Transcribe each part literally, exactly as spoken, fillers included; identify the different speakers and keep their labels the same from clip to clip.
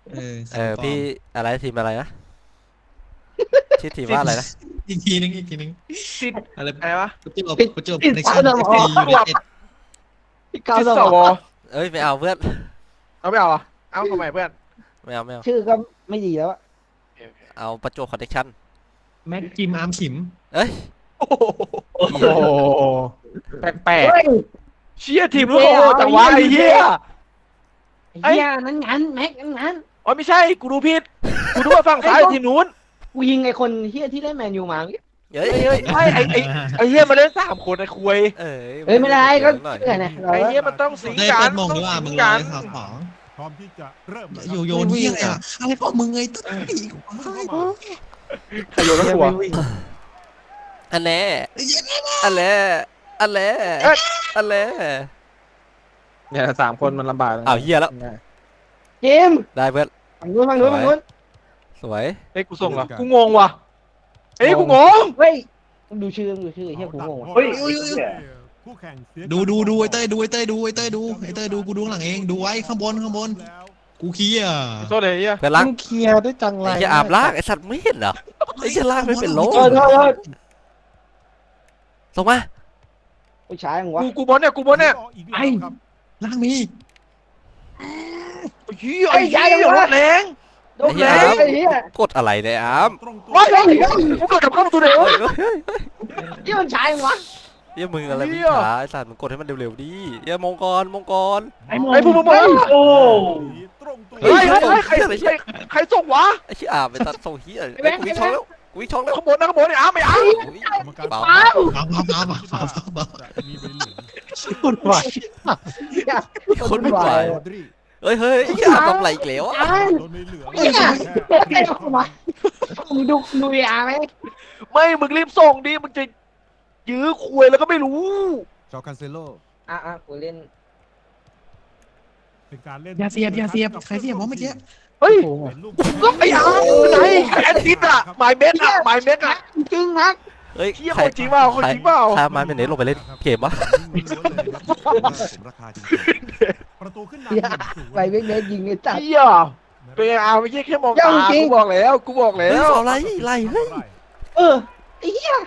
Speaker 1: เออ
Speaker 2: เออพี่อะไรทีมอะไรนะชื่อทีม
Speaker 3: ติด
Speaker 2: ว่าอะไรนะ
Speaker 1: อีกทีนึงอีกทีนึง
Speaker 3: ติด
Speaker 1: อะไร
Speaker 3: อะไรวะ
Speaker 1: ประจวบ
Speaker 4: ปิด
Speaker 1: ประจวบ
Speaker 4: ปิด
Speaker 1: ใน
Speaker 4: สา
Speaker 1: ชั่น
Speaker 4: ส
Speaker 1: เอ
Speaker 4: ม
Speaker 1: ฟ
Speaker 4: อ
Speaker 1: ซียูไนเต็ด
Speaker 4: พี่ก้าว
Speaker 3: ติด
Speaker 4: ส
Speaker 3: ส
Speaker 4: ม
Speaker 3: ว
Speaker 4: อง
Speaker 2: เอ้ยไม่เอาเพื่อน
Speaker 3: เอาไม่เอาอ่ะเอาทำไมเพื่อน
Speaker 2: ไม่เอาไม่เอา
Speaker 4: ชื่อก็ไม่ดีแล้วอะ
Speaker 2: เอาประจวบคอนเนคชั่น
Speaker 1: แม็กกิมอาร์มขิม
Speaker 2: เอ้ย
Speaker 3: โอ้โห
Speaker 4: โอ้โห
Speaker 3: แปลก
Speaker 4: เฮ้ย
Speaker 3: ๆเชี่ยทีมรู้โอ้โหจังหวะไอ้เหี้ย
Speaker 4: ไอ้เหี้ยนั้นงั้นแม็กนั้นงั้น
Speaker 3: อ๋อไม่ใช่กูดูผิดกูดูว่าฝั่งซ้ายทีมนู้น
Speaker 4: กูยิงไอ้คนเหี้ยที่ได้แมนยูมาเมื่อกี้
Speaker 2: เฮ้ย
Speaker 3: เฮ้ยเฮ้ยไม่ไอ้ไอ้ไอ้เหี้ยมาเล่นสามคนไอ้คุย
Speaker 2: เอ้ย
Speaker 4: เอ้ยไม่ได้ก็
Speaker 2: หน่อย
Speaker 4: เชื่อนะเรา
Speaker 3: ไอ้เหี้ยมันต้องสิง
Speaker 1: ได้
Speaker 3: กั
Speaker 1: เปิ
Speaker 3: น
Speaker 1: ดมงดีว่ามึงร
Speaker 3: กั
Speaker 1: อน เลยข่าวของ
Speaker 5: พร้อมที่จะเริ่มแล้ว
Speaker 1: โยโยนที่อะไรอ่ะอะไรของมึงไงตุ๊ดอีก
Speaker 3: ใครโยนแล้วกลัว
Speaker 2: อันแน่อันแน่อันแน่
Speaker 3: เอ้ย
Speaker 2: อันแน่
Speaker 6: เนี่ยสามคนมันลำบาก
Speaker 2: อ้าวเหี้ยแล้ว
Speaker 4: เจมส์
Speaker 2: ได้เพื่อน
Speaker 4: ฝั่งนู้นฝั่งนู้นฝั่งนู้น
Speaker 2: สวย
Speaker 3: เฮ้ยกูส่งเหรอกูงงว่ะเฮ้ยกูงง
Speaker 4: เฮ้ยดูชื่อดูชื่อเฮียกูงง
Speaker 5: เฮ้ยคู่แข่งเสีย
Speaker 1: ดูดูดูไอ้เต้ยดูไอ้เต้ยดูไอ้เต้ยดูไอ้เต้ยดูกูดูข้างหลังเองดูไว้ข้างบนข้างบน
Speaker 5: แล้ว
Speaker 1: กูขี้อ่ะ
Speaker 3: โทษเลยเหี้ย
Speaker 2: เพื่อนล่าง
Speaker 6: มึงเคลียร์ได้จังไร
Speaker 2: ไอ้เหี้ยอาบล่างไอ้สัตว์ไม่เห็นเหรอไอ้เหี้ยล่างไม่เป็นโล
Speaker 4: โทษโทษโทษ
Speaker 2: ส่งมา
Speaker 4: กูช้ายังวะ
Speaker 3: กูกูบอลเนี่ยกูบอลเนี่ย
Speaker 5: ไอ้ครับ
Speaker 1: ล่างมี
Speaker 3: เหี้ยไอ้เหี้ยรถแรง
Speaker 4: โดนแล้วไอ้เหี้ย
Speaker 2: กดอะไรเนี่ยอาม
Speaker 5: ตรงตัว
Speaker 3: ว้ายกูเกิดกับข้ามตัวเดียว
Speaker 2: เฮ้ยเฮ้ยเฮ้ย
Speaker 4: เหี้ยมันช้ายังวะ
Speaker 2: เหี้ยมึงอะไร
Speaker 3: เหี้
Speaker 2: พี่
Speaker 3: ย
Speaker 2: ขาไอ้สัตว์มึงกดให้มันเร็วๆดิเหี้ยมงกรมงกร
Speaker 3: ไอ้พวกมึงมาโอ้
Speaker 5: ตรงตัว
Speaker 3: เฮ้ยเฮ้ยเฮ้ยใครใครใครส่งวะ
Speaker 2: ไอ้เหี้ยอาบไอ้สัตว์ส่งเหี้ยไอ้กูวิ่งช่องแล้วกูวิ่งช่องแล้ว
Speaker 3: ข้างบนนะข้างบนเนี่ยอ้าไม่อ้า
Speaker 2: อุ๊ย
Speaker 5: กรรมการ
Speaker 2: เบา
Speaker 4: เอ้า
Speaker 1: เอาเอาเอาเอาเอาเอา
Speaker 5: จะมีใบเหลือง
Speaker 6: คุณไหว
Speaker 2: คนไม่ไหว
Speaker 5: โรดรี
Speaker 2: เฮ้ยเฮ้ยไอ้เหี้ยอาบทำอะไรอีกแล้วอะ
Speaker 4: อ้าว
Speaker 5: โดนใบเหลือง
Speaker 4: เหี้ยไอ้ออกมามึงดูดูยาไหม
Speaker 3: ไม่มึงรีบส่งดิมึงจะยื้อคุยแล้วก็ไม่รู้
Speaker 5: จอคันเซโล
Speaker 4: อ่ะอ่ะกูเล่น
Speaker 5: เป็นการเล่น
Speaker 1: อย่าเสียบอย่าเสียบใครเสียบวะเมื่อกี้
Speaker 3: เฮ้ย
Speaker 5: เป็นลูก
Speaker 3: ก็ไอ้อาไหนแอนติสอะไมเมสอะไมเมสอะ
Speaker 4: จริงนัก
Speaker 2: เฮ้ย
Speaker 3: เหี้ยคนจริงเปล่าคนจริงเปล่า
Speaker 2: ใครมาเป็นเน็ตลงไปเล่นเกมวะ
Speaker 5: ผมราคาจริงๆประตูขึ้นนำหนึ่งศูนย์
Speaker 4: ไปเว้ยเว้ยยิงไอ้จัด
Speaker 3: เหี้ยเป็นไงอาไม่ใช่แค่มองตา
Speaker 4: จริง
Speaker 3: กูบอกแล้วกูบอกแล้
Speaker 2: เฮ้ยว เอาอะไรไล่เฮ้ย
Speaker 4: เออไอ้เหี้ย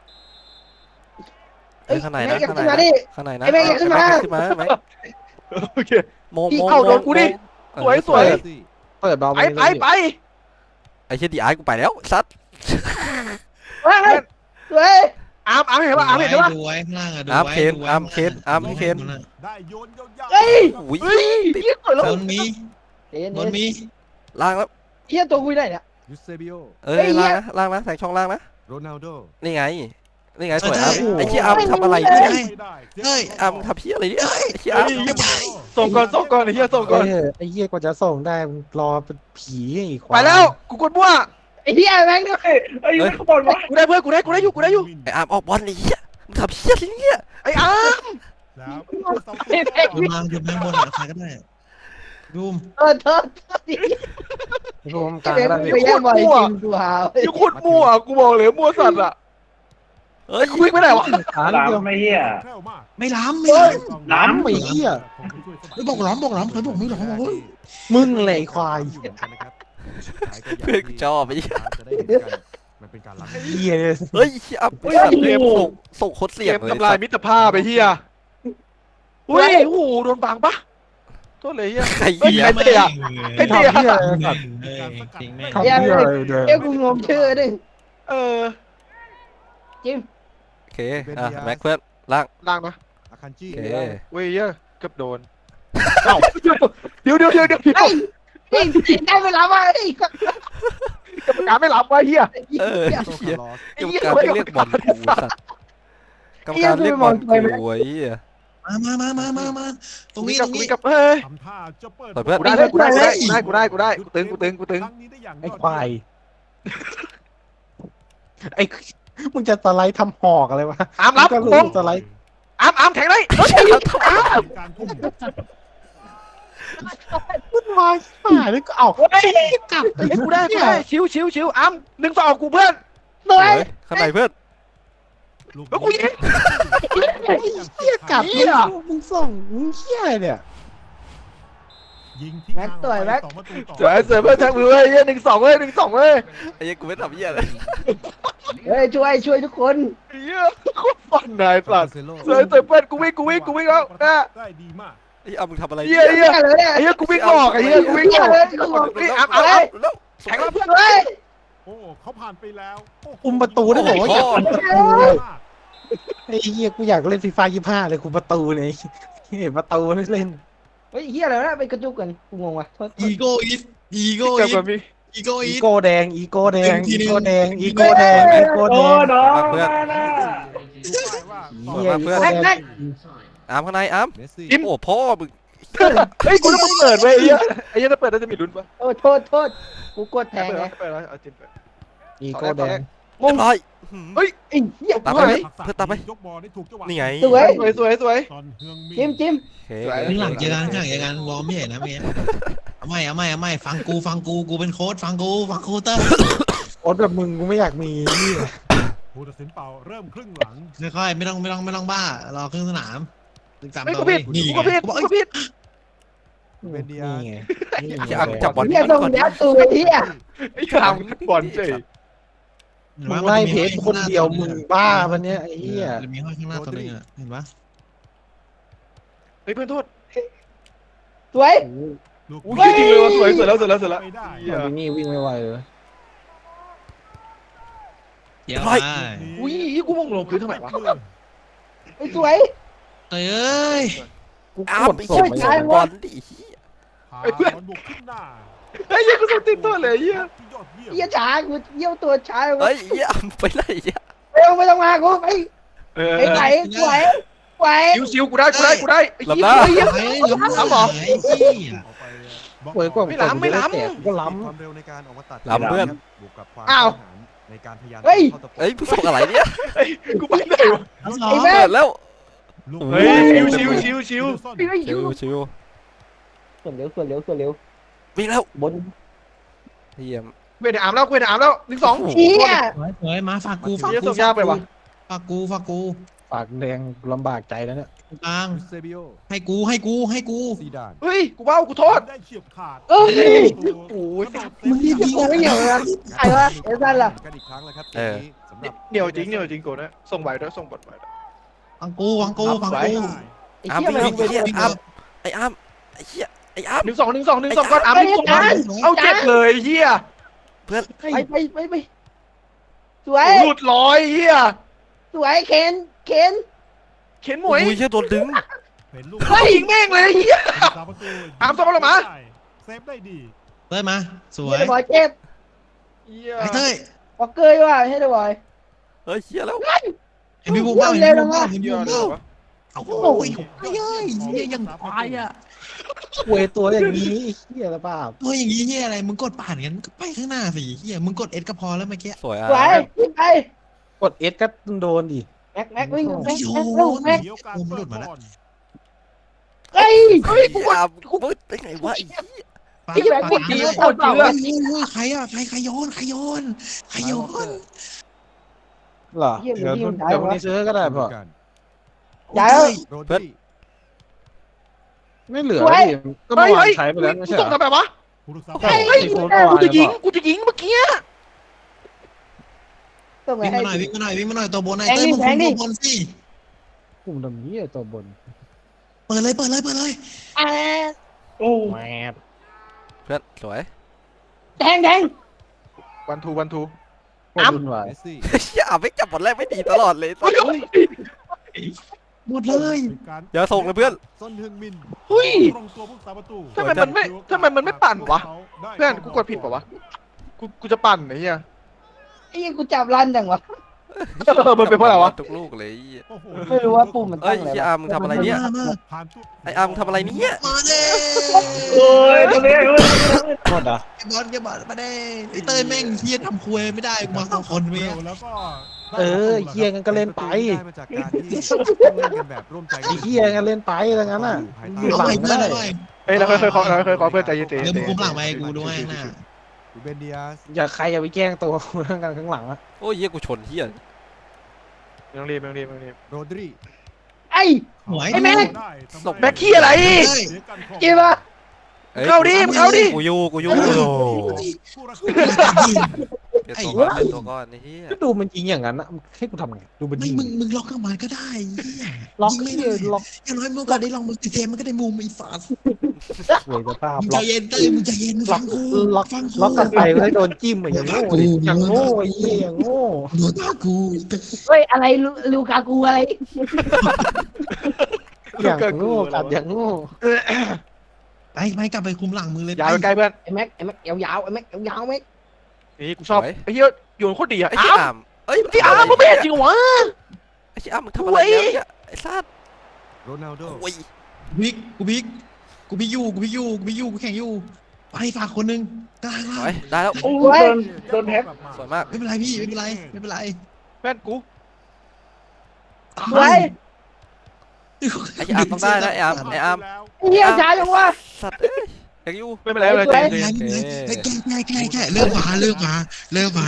Speaker 2: เฮ้ยข้างในนะ
Speaker 4: แม่งอย่า
Speaker 2: ข้าง
Speaker 4: ขึ้
Speaker 2: ใน
Speaker 4: นมา
Speaker 2: นะ
Speaker 4: ดิ
Speaker 2: ข้างในนะ
Speaker 4: ไอ้แม่งอย่าขึ้นมา
Speaker 2: ไอ้แงขึ้นมาไหม
Speaker 3: โอเค
Speaker 2: โมงโมง
Speaker 3: เอ้าโดนกูดิ
Speaker 2: โมง
Speaker 3: สวยสวย
Speaker 6: เปิดเบา
Speaker 3: ไปไปไป
Speaker 2: ไอ้เชี่ยดีไอ้กูไปแล้วซัด
Speaker 4: เฮ้ยเฮ้ย
Speaker 3: อามอามเห็นปะอามเห็นปะ
Speaker 1: ดูไว้ข้างล่างอะดู
Speaker 2: อาร์ม
Speaker 1: ไว้
Speaker 2: เคน
Speaker 1: ดูไว้
Speaker 2: อาร์มเคนอาร์มเคน
Speaker 5: ได้โยนยาวๆ
Speaker 4: เฮ้ย
Speaker 2: อุ้ย
Speaker 3: เฮ้ยเหี้ยสวยแล้ว
Speaker 1: บนมี
Speaker 4: เดี๋ยว
Speaker 1: บนมี
Speaker 2: ล่างแล้ว
Speaker 4: เหี้ยตัวกูได้เนี่ย
Speaker 5: ยูเซบิโอ
Speaker 2: เอ้ย
Speaker 4: เฮ้ยเหี้
Speaker 2: ล่าย งนะล่างนะแสงช่องล่างนะ
Speaker 5: โรนัลโด
Speaker 2: นี่ไงนี่ไงสวยอาร์มไอ้เชี่ยอาร์มทำอะไรเนี่ย
Speaker 1: เฮ้ย
Speaker 2: อาร์มทำเพี้ยอะไรเนี่ยไอ้เชี่ยอาร์ม
Speaker 3: ส่งก่อนส่งก่อนไอ้เหี้ยส่งก่อน
Speaker 6: ไอ้เหี้ยกว่าจะส่งได้มึงรอเป็นผีอีก
Speaker 3: ไปแล้วกูกดมั่ว
Speaker 4: ไอ้เหี้ยแม่งด้วย
Speaker 3: ไอ้ยูข้างบนวะกูได้เพื่อนกูได้กูได้อยู่กูได้อยู่
Speaker 2: ไอ้อาร์มออกบอลไอ้เหี้ยมึงทำเพี้ยอะไรเนี่ย
Speaker 3: ไอ้อาม
Speaker 5: แล้ว
Speaker 1: ดูมาดูมาบนอะใครก็ได้ดูม
Speaker 4: เออเธอเธอดิ
Speaker 6: รวมกลาง
Speaker 4: ไอ้
Speaker 6: แล้ว
Speaker 4: แม่ง
Speaker 6: นี่
Speaker 4: ไปแย่งบอลจริงกูหา
Speaker 3: ยูโคตรมั่วกูบอกเลยมั่วสัตว์อะ
Speaker 2: เฮ้ย
Speaker 3: ไอ้กูวิ่งไปไหนวะ
Speaker 6: หาเดียว
Speaker 5: ไม่เหี้ย
Speaker 1: ไม่ล้ำไม่ล้
Speaker 6: ล้ำไอ้เหี้ย
Speaker 1: ำไม่บอกล้ำบอกล้ำใครบอกไม่ล้ำบอกเฮ้ย
Speaker 6: มึงเลยควาย
Speaker 2: เพื่อนกูชอบไอ้เหี้ย
Speaker 5: มันเป็นการล้
Speaker 6: เหี้ยเลย
Speaker 2: เฮ้ยเชี่ยอาร์มไอ้สัตว์เกมส่งส่งโคตรเสี่
Speaker 3: เก
Speaker 2: ยง
Speaker 3: ม
Speaker 2: เลย
Speaker 3: ทำลายมิตรภาพไปเฮียอุ้ยโอ้โหโดนบังปะโทษเลยเฮีย
Speaker 2: ไอ้
Speaker 3: เฮ้ย
Speaker 2: เหี้ย
Speaker 3: ใครเตะอะ
Speaker 1: เฮ้ย
Speaker 3: ไอ้เตะ
Speaker 6: ทำเหี้ยอะไรสัตว์
Speaker 1: จริงแม่ง
Speaker 6: ทำเหี้ยอะไรเดิม
Speaker 4: เอ้ยกูงงชื่อดิ
Speaker 3: เออ
Speaker 4: จิม
Speaker 2: โอเคอ่ะแม็กเพื่อนล่าง
Speaker 3: ล่างนะ
Speaker 5: ำอาคันจิ
Speaker 2: โอเค
Speaker 3: เว้ยเฮียเกือบโดนเอ้าเดี๋ยวเดี๋ยวเดี๋ยวเดี๋ยวเดี๋ยว
Speaker 4: เฮ้ยนี่ได้เวลามาไอ้
Speaker 3: กรรมการไม่รับวะเฮีย
Speaker 2: เออ
Speaker 5: โต
Speaker 2: เหี้ย
Speaker 5: คาร์ลอส
Speaker 2: กรรมการเรียกบอลกูสัตว์กรรมการเรียกบอลกูไอ้เหี้ย
Speaker 1: มามามามามามาตรง
Speaker 3: กู
Speaker 1: นี้
Speaker 3: กั
Speaker 1: ต
Speaker 3: บ
Speaker 1: รง
Speaker 3: กู
Speaker 1: นี้
Speaker 3: กับเฮ้ย
Speaker 5: ทำท่าจะเปิด
Speaker 2: เปิดเพื่อน
Speaker 3: กูได้เลยกูได้กูได้กูได้กูได้กูตึงกูตึงกูตึง
Speaker 5: ครั้งนี้ได้อย่าง
Speaker 6: ไอ้ควายไอ้มึงจะสไลด์ทำหอกอะไรวะ
Speaker 3: อามรับ
Speaker 6: ก็
Speaker 3: ม
Speaker 6: รู้
Speaker 3: ง
Speaker 6: สไลด์
Speaker 3: อามอามแทงเลยเฮ้ยอาม
Speaker 5: การพุ่ง
Speaker 6: วุ่นวายหายแล้วก็เอา
Speaker 3: เฮ้ยกลับเฮ้ยกูได้กูได้ชิวชิวชิวอามหนึ่งสองกูเพื่อน
Speaker 4: หน่อย
Speaker 2: เฮ้ยข้างในเพื่อน
Speaker 3: แล้วกูยิง
Speaker 6: เหี้ยกลับมึงมึงส่งมึงเหี้ยอะไรเนี่ย
Speaker 5: ยิงที่
Speaker 4: แม็กสวยแม็ก
Speaker 5: สองประตูต่อ
Speaker 3: สวยสวยเพื่อนแท็กมือเว้ยเหี้ยหนึ่งสองเว้ยหนึ่งสองเว้ย
Speaker 2: ไอ้เหี้ยกูไม่ทำเหี้ยเลย
Speaker 4: เฮ้ยช่วยช่วยทุกคน
Speaker 3: เหี้ยโคตรฟันนายสัตว์สวยสวยเพื่อนกูวิ่งกูวิ่งกูวิ่งแล้วนะ
Speaker 5: ได้ดีมาก
Speaker 2: ไอ้อ้ำมึงทำอะไร
Speaker 3: เหี้ยเหี้ย
Speaker 4: เลยเนี่ย
Speaker 3: ไอ้เหี้ยกูวิ่งหลอกไอ้เหี้ยกูวิ่งหลอกไอ้อัพอัพอัพแข่งแล้วเพื่อน
Speaker 4: เฮ้ย
Speaker 5: โอ้เขาผ่านไปแล้วโโห
Speaker 6: คุมประตูได้บอกว่าอยากคุมประตู
Speaker 5: มาก
Speaker 6: ไอ้เหี้ยกูอยากเล่นฟีฟ่ายี่ห้าเลยคุมประตูเลยเห็นประตูเล่น
Speaker 4: เฮ้ยเฮียอะไรวะไปกระจุกกันกูงงว่ะโทษ
Speaker 1: อีโก้อีทอีโก้
Speaker 3: เกิด
Speaker 1: อี
Speaker 3: แบ
Speaker 1: ท
Speaker 3: บนี้
Speaker 1: อีโก้
Speaker 6: อี
Speaker 1: อีท
Speaker 6: โก้แดงอีโก้แดง
Speaker 1: ที
Speaker 6: อี
Speaker 1: นึง
Speaker 6: โก้แดงอีโก้แดงอีโก้แดง
Speaker 2: เพื่อน
Speaker 5: ดูป้ายว่า
Speaker 6: เหี้ย
Speaker 2: เพื่อน
Speaker 6: อีโก้แดง
Speaker 2: อ้ำข้างในอ้ำ
Speaker 5: เมสซี่
Speaker 2: โอ้พ่อมึง
Speaker 3: เฮ้ยกูต้องเปิดเว้ยไอ้เหี้ยไอ้เหี้ยถ้าเปิดน่าจะมีลุ้นปะ
Speaker 4: โอ้โทษโทษกูกดแทง
Speaker 3: เปิด
Speaker 4: ไง
Speaker 3: แล้วเปิดแล้วเอาจินเปิด
Speaker 6: อีโก้แดง
Speaker 2: เรียบร้อย
Speaker 3: เฮ้ย
Speaker 4: ไอ้เหี้ย
Speaker 2: ตาม
Speaker 3: ไป
Speaker 2: ไป
Speaker 3: ไหน
Speaker 2: เพื่อนตามไป
Speaker 5: ยกบอลได้ถูกจังหวะ
Speaker 2: นี่ไง
Speaker 4: สวย
Speaker 3: สวยสวยสวย
Speaker 5: ตอนเฮืองมี
Speaker 4: จิ้มจิ้ม
Speaker 2: โอเค
Speaker 3: สวย
Speaker 1: ข้างหลังเจอกันข้างหลังเจอกันวอร์มไม่เห็นนะเมียเอาไม่เอาไม่เอาไม่ฟังกูฟังกูกูเป็นโค้ชฟังกูฟังกูเตอร์
Speaker 6: โอ๊ตแบบมึงกูไม่อยากมีนี่
Speaker 5: ผู้ตัดสินเป่าเริ่มครึ่งหลัง
Speaker 1: ค่อยๆไม่ต้องไม่ต้องไม่ต้องบ้ารอครึ่งสนามตึกสาม
Speaker 3: เฮ้ย
Speaker 1: ต่
Speaker 3: กู
Speaker 1: อ
Speaker 3: ผิด
Speaker 1: นี่
Speaker 3: กู
Speaker 1: ไง
Speaker 3: ผิด
Speaker 1: กูบอก
Speaker 3: กู
Speaker 1: เอ้ย
Speaker 3: ผิด
Speaker 5: เป็นเดีย
Speaker 6: นี่ไงนี่
Speaker 2: ไอ้
Speaker 6: ไง
Speaker 2: อ้ำจับบอล
Speaker 4: เฮียส่งยัดตัวเฮีย
Speaker 3: ไอ้ขามบอลเฉย
Speaker 6: มึงไล่เพจคนเดียวมึงบ้าปะเนี่ยไอ้เหี้ย
Speaker 1: จะมีห้อยข้างหน้าตัวนึงอ่ะเห็นปะ
Speaker 3: เฮ้ยเพื่อนโทษ
Speaker 4: สวย
Speaker 5: ลูก
Speaker 3: อุ้ยจริงเลยว่ะสวยสวยแล้วสวยแล้วสวยแล้ว
Speaker 5: ไม่ได้
Speaker 3: เหี้ย
Speaker 6: มันนี่วิ่งไม่ไหวเลย
Speaker 1: เดี๋ยว
Speaker 2: ร้อย
Speaker 1: ไป
Speaker 3: อุ้ยกูมองลงพื้นทำไมวะ
Speaker 4: ไอ้สวย
Speaker 1: เอ้ย
Speaker 6: กูก
Speaker 2: อ้ำ
Speaker 6: ด
Speaker 2: ไอ้
Speaker 6: ส่
Speaker 2: เหี้
Speaker 6: ง
Speaker 2: ย
Speaker 6: ไป
Speaker 2: บอลดิ
Speaker 5: พาบอลบุกขึ้นหน้า
Speaker 3: ไอ้เหี้ยกูส่งติดตัวเลยไอ้เหี้ย
Speaker 5: ที่ยอดเยี่ยม
Speaker 4: เฮียช้ากูเยี่ยวตัวช้า
Speaker 2: เฮ้ยเหี้ยอ้ำไปไหนเหี้ย
Speaker 4: เร็วไม่ต้องมากูไป
Speaker 3: เออ
Speaker 4: ไอ้ไหวไหวไหว
Speaker 3: ซิวซิวกูได้กูได้กูได้ไอ้เหี้ย
Speaker 1: ไอ้
Speaker 3: เหี้ย
Speaker 1: ไอ้ล้ำ
Speaker 3: ล้ำเหรอ
Speaker 1: ไอ้เหี้ย
Speaker 5: ออกไปบล็อก
Speaker 6: เปิดกว่า
Speaker 3: ไม่ล้ำไม่ล้ำ
Speaker 6: แต่ก็ล้
Speaker 5: ความเร็วในการออกมาตัด
Speaker 2: ล้ำเพื่อน
Speaker 5: บวกกับความ
Speaker 3: อ้าว
Speaker 5: กล้าหาญในการพยายาม
Speaker 4: เฮ้ย
Speaker 5: เข้าตะปบ
Speaker 2: เอ้ยมึงส่งอะไรเนี่ย
Speaker 3: ไอ้กูไปไหนวะ
Speaker 1: ล้ำสอง
Speaker 4: ไอ้แม่
Speaker 2: เปิดแล้ว
Speaker 5: ลูก
Speaker 3: เฮ้ยชิวชิวชิวชิว
Speaker 4: ไอ้
Speaker 2: ชิวชิว
Speaker 4: ส่วนเร็วส่วนเร็วส่วนเร็ว
Speaker 2: วิ่งแล้ว
Speaker 4: บน
Speaker 2: เหี้ย
Speaker 3: เว้ยในอาร์มแล้วเว้ยในอาร์มแล้วหนึ่งสอง
Speaker 4: เฮีย
Speaker 1: สวยสวยมาฝากกูฝาก
Speaker 3: เหี้ย
Speaker 1: กู
Speaker 3: ส่งยากไปว่ะ
Speaker 1: ฝากกูฝากกู
Speaker 6: ำปากแดงลำบากใจแล้วเนี่ย
Speaker 1: ตรงกลาง
Speaker 5: เซบิโอ
Speaker 1: ให้กูให้กูให้กู
Speaker 5: ซีดาน
Speaker 3: เฮ้ยกูว้าวกูโทษ
Speaker 5: ได้เฉียบขาด
Speaker 4: เอ้ย
Speaker 3: โอ้ย
Speaker 1: มึงรีบยิง
Speaker 4: ยังไม่เหนียวเลยนะใครวะเอซันล่ะ
Speaker 5: กันอีกครั้งแล้วครับเกมนี้สำหรับ
Speaker 3: เหนียวจริงเหนียวจริงกูนะส่งไหวด้วยส่งบอลไหวด้วย
Speaker 1: ฟังกูฟังกูฟังกู
Speaker 4: ไอ้
Speaker 2: อ้ำ
Speaker 4: เฮีย
Speaker 2: วิ่ง
Speaker 4: มัน
Speaker 2: วิ่งไอ้อ้ำไอ้อ้ำไอ้เหี้ยไอ้อ้ำ
Speaker 3: หนึ่งสองหนึ่งสองหนึ่งสองก่อนอาร์มหนึ่งสองเอาเจ็บเลยเฮีย
Speaker 2: เพื่อน
Speaker 4: ไปไปไปไปสวย
Speaker 3: หลุดร้อยเฮีย
Speaker 4: สวยเคนเคน
Speaker 3: เข็นหมวย
Speaker 2: อุ้ยเชี่ยโดนดึง
Speaker 5: เป็นลูก
Speaker 3: เฮ้ยแม่งเลยเฮีย
Speaker 5: สามประตู
Speaker 3: อาร์มส่งบอลออกมา
Speaker 5: เซฟได้ดี
Speaker 1: เต้ยมาสว
Speaker 4: เฮี
Speaker 1: ย
Speaker 4: ยบอยเจ็บ
Speaker 3: เฮีย
Speaker 1: ไอ้เต้ย
Speaker 4: บอกเกยว่ะให้ได้บอย
Speaker 2: เฮ้ยเชี่ยแล้ว
Speaker 1: เห็นพี่บูมบ้างเห็นพี่บูมบ้างเห็น
Speaker 3: เฮี
Speaker 1: พี่
Speaker 3: ย
Speaker 1: บูม
Speaker 3: เดี๋ย
Speaker 1: บ้าว ง
Speaker 3: วะ
Speaker 1: เอาโอ้ยเฮ้ยเฮ้ยเหี้ยยังควายอ่ะ
Speaker 6: เวยตัวอย่างนี้ไอ้เหี้ยละเปล่า
Speaker 1: ตัวอย่างงี้เฮียอะไรมึงกดผ่านกันก็ไปข้างหน้าสิเฮียมึงกดเอสก็พอแล้วเมื่อกี้
Speaker 2: สวยอ่ะ
Speaker 4: สวยวิ่งไป
Speaker 6: กดเอสก็โดนดิ
Speaker 4: แม็กแม็กวิ่งแม็ก
Speaker 1: โย
Speaker 4: แม็ก
Speaker 1: น
Speaker 4: แม็ก
Speaker 5: เดี๋ยวการเปิดบอล
Speaker 4: เฮ้ย
Speaker 3: เฮ้ยกู
Speaker 2: อ้ำกูไปไหนวะไอ้เหี้ย
Speaker 1: ปา
Speaker 4: ไอ้แม็ก
Speaker 1: ปา
Speaker 4: วิ่ง
Speaker 1: เฮ้ย
Speaker 4: เปล่าเปล่า
Speaker 1: เฮ้ยใครอ่ะใครใครโยนใครโยนใครโยน
Speaker 6: เหรอเดี๋ยวเดี๋ยวพรุ่งนี้ซื้อก็ได้พอ
Speaker 4: ย้าย
Speaker 5: โรดรี
Speaker 6: ไม่เหลือ
Speaker 4: สวย
Speaker 6: ดิก็เมื่อวานใช้ไปแล้วไม่
Speaker 3: กู
Speaker 6: ใช่
Speaker 3: ส่ง
Speaker 6: เหรอ
Speaker 3: ทำแบบวะ
Speaker 5: ผู้รักษา
Speaker 6: ใช่
Speaker 3: เฮ้ยกูจะยิงกูจะยิงเมื่อกี้
Speaker 4: ส่งไป
Speaker 1: วิ่ง
Speaker 4: ให้
Speaker 1: มาหน่อยวิ่งมาหน่อยวิ่งมาหน่อยตัวบนไอ้
Speaker 4: แทง
Speaker 1: เต้ย
Speaker 4: ดิ
Speaker 1: มึง
Speaker 4: แท
Speaker 1: คุ
Speaker 4: ง
Speaker 1: ม
Speaker 4: ดิ
Speaker 1: ตัวบนสิ
Speaker 6: กลุ่มดำนี้ไอ้ตัวบน
Speaker 1: เปิดเลยเปิดเลยเปิดเลย
Speaker 4: อ่าโอ้
Speaker 6: แมบ
Speaker 2: เพื่อนสวย
Speaker 4: แทงแทง
Speaker 3: วันทูวันทู
Speaker 6: โคตรวุ่นวาย
Speaker 5: เมสซี่
Speaker 2: เชี่ยอ่ำไม่จับบอลแรกไม่ดีตลอดเลย
Speaker 3: เฮ้ย
Speaker 1: หมดเลย
Speaker 2: อย่าส่งเลยเพื่อน
Speaker 5: ส้นเฮืองมิน
Speaker 3: เฮ้ย
Speaker 5: ตรงตัวผู้สาประตู
Speaker 3: ทำไมมันไม่ทำไมมันไม่ปั่นวะ เพื่อนกูกดผิดป่าวะกูกูจะปั่นไอ้เหี้ย
Speaker 4: ไอ้ยังกูจับรันจังวะ
Speaker 3: เออมันเป็นเพราะอะไรวะ
Speaker 2: ทุกลูกเลยไอ้เหี้ย
Speaker 5: โอ้โห
Speaker 4: ไม่รู้ว่าปุ่มมัน
Speaker 2: เอ้
Speaker 4: ตั้
Speaker 2: ย
Speaker 4: งอะไร
Speaker 2: เชี่ย
Speaker 4: วะ
Speaker 2: อ้ำมึงทำอะไรเนี่ย
Speaker 1: มามา
Speaker 5: ผ่านทุก
Speaker 2: ไอ้อ้ำมึงทำอะไรเนี่ย
Speaker 1: มาเด้
Speaker 3: โอ้ยตรงนี้
Speaker 6: โทษอ่ะ
Speaker 1: ไอ้บอลแกบอลมาเด้ไอ้เต้ยแม่งเฮียทำควยไม่ได้กูมาสองคนเว้ย
Speaker 5: แล้วก็
Speaker 6: เออเฮียกันก็เล่นไป
Speaker 5: ได้มาจากการที่ต้องเล่นกันแบบร่วมใจ
Speaker 6: ไอ้เฮียกันเล่นไปแล้วงั้นน่ะ อยู่
Speaker 1: เอา
Speaker 6: หลั
Speaker 1: ไป
Speaker 6: ง
Speaker 1: เพื่อน
Speaker 6: ได้
Speaker 1: เอาไป
Speaker 3: เฮ้ยเราเคยขอเราเคยขอเพื่อนใจเย็น
Speaker 1: เดี๋ยวมึงคุมหลังไปกูด้วยนะ
Speaker 5: รูเบนเดียส
Speaker 6: อย่าใครอย่าไปแกล้งตัวกูเรื่องกันข้างหลังอะ
Speaker 2: โอ้ยเหี้ยกูชนเหี้ย
Speaker 3: ไม่ต้องรีบไม่ต้องรีบไม่ต้องรีบ
Speaker 5: โรดรี
Speaker 4: ไอ้
Speaker 1: หวย
Speaker 4: ไอ้แม่ง
Speaker 3: แบ็คขี้อะไร
Speaker 1: เต้ย
Speaker 4: กี่ปะ
Speaker 2: อ้ย
Speaker 3: เข้าดิมึงเข้าดิ
Speaker 2: กูอยู่กูอยู่
Speaker 5: ผู้รักษา
Speaker 2: เปลี่ยนตัวก่อนเปลี่ยนตัวก่อนไอ้เหี้ย
Speaker 6: ก็ดูมันยิงอย่างนั้นนะให้กูทำไงดูมัน
Speaker 1: ไม่
Speaker 6: ยิง
Speaker 1: มึงมึงล็อกเข้ามาก็ได้เหี้ย
Speaker 4: ล็อก
Speaker 1: ยิงไม่
Speaker 4: ที่
Speaker 1: ได้
Speaker 4: ล็อก
Speaker 1: อย่างน้อยเมื่อก่อนได้ลองมึงติเทมันก็ได้มุมไอ้ฝา
Speaker 6: สวยสภาพ
Speaker 1: มึง
Speaker 6: ล็
Speaker 1: ใจ
Speaker 6: อก
Speaker 1: เย็นเต้ยมึงใจเย็นมึง
Speaker 6: ล็
Speaker 1: ฟั
Speaker 6: อก
Speaker 1: งกู
Speaker 6: ล็อก
Speaker 1: ฟังกู
Speaker 6: ล็อกกันไปก็ให้โดนจิ้มอะอย่างโง่ดิอย่างโง่ไอ้เหี้ยอย่างโง่
Speaker 1: โดนตากู
Speaker 4: เฮ้ยอะไรลูลูกากูอะไร
Speaker 6: อย่างโง่กัดอย่างโง่
Speaker 1: ไปไปกลับไปคุมหลังมือเลย
Speaker 3: ยาวไปใกล้เพื่อน
Speaker 4: ไอ้แม็กไอ้แม็กยาวๆไอ้แม็กยาวๆแม็ก
Speaker 3: นี่กูชอบไอ้เหี้ยโยนโคตรดีอ่ะ
Speaker 2: ไอ้
Speaker 3: ไอ้
Speaker 2: เหี้ย
Speaker 3: อ้าม
Speaker 2: อ่ำเอ้ย
Speaker 3: ไอ้อ้ามมึงไม่เห็นจริงวะ
Speaker 2: ไอ้เหี้ยอ่ำมึงทำอะไรเนี่ยไอ้สัตว์
Speaker 5: โรนัลโด
Speaker 2: โอ้ย
Speaker 1: กูพิกกูพิกกูพิกยูกูพิกยูกูพิกยูกูแข่งยูไปฝากคนหนึงกลาง
Speaker 2: ส
Speaker 1: ล่าง
Speaker 2: วยได้แล้ว
Speaker 4: โอ้ย
Speaker 5: โดนแท็บ
Speaker 2: สวยมาก
Speaker 1: ไม่เป็นไรพี่ไม่เป็นไรไม่เป็นไร
Speaker 3: เพื่อนกู
Speaker 1: ตา
Speaker 4: ไว้
Speaker 1: ย
Speaker 2: ไอ้เหี้ยอ่ำต้องได้นะไอ้อ่ำไอ้อ่
Speaker 5: แล้ว
Speaker 4: เฮียช้าจังวะ
Speaker 2: ำสัตว์เอ้ยยังอยู่
Speaker 3: ไม่เป็นไรไม่เป็นไร
Speaker 4: สวย
Speaker 3: ใจ
Speaker 1: ไม่
Speaker 3: เย็น
Speaker 1: เป็นไรไม่เป็นไรแก้แก้แก้แก้เริ่มมาเริ่มมาเริ่มมา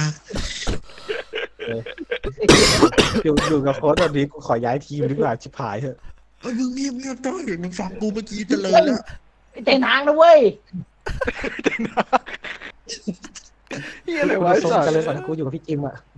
Speaker 6: อยู่อยู่กับโค้ชแบบนี้กูขอย้ายทีมดีกว่าชิบหายเถอะ
Speaker 1: เฮ้ยมึงเงียบเงียบต้อยมึงฟังกูเมื่อกี้เจริญแล้ว
Speaker 4: เต็มทางนะเว้ย
Speaker 3: เหี้ยอะไร
Speaker 6: กู
Speaker 3: วะ
Speaker 6: จะ
Speaker 3: ไอ้
Speaker 6: ส่ง
Speaker 3: สัตว์
Speaker 6: กันเลยก่อนนะกูอยู่กับพี่จิมอะ